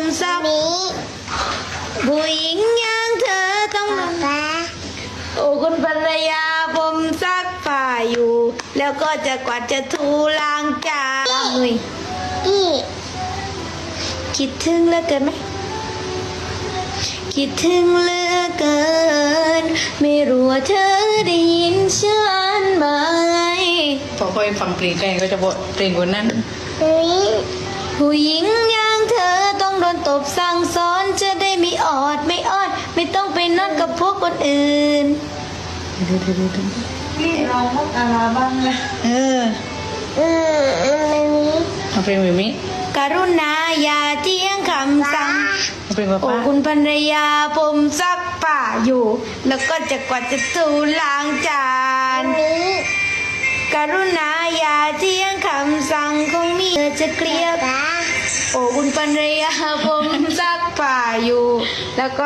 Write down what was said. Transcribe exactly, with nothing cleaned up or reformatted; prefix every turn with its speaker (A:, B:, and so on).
A: ซักผู้หญิงอย่างเธอต้องโอ้คุณภรรยาผมซักผ้าอยู่ แล้วก็จะกวาดจะถูล้างจานล้างมือคิดถึงเหลือเกินไหมคิดถึงเหลือเกินไม่รู้ว่าเธอได้ยินฉันไหม
B: พอค่อยฟังเพลงแกก็จะบอกเพลงคนนั้น
A: ผู้หญิงอย่างเธอต้องโดนตบสั่งสอนจะได้ไม่ออดไม่อ้อนไม่ต้องไปนอนกับพวกคนอื่น
C: นี่เราพกอะไรบ้างนะ
B: เออเอาเพลงแบบนี้
A: กรุณาอย่าเที่ยงคำสั่ง
B: เอาเพลงป้า
A: โอ้
B: ป้า
A: คุณภรรยาผมซักผ้าอยู่ แล้วก็จะกวาดจะถูล้างจานกรุณาอย่าเที่ยงคำสั่งของมีเธอจะเคลียร์โอ้คุณภรรยาผมซักผ้าอยู่ แล้วก็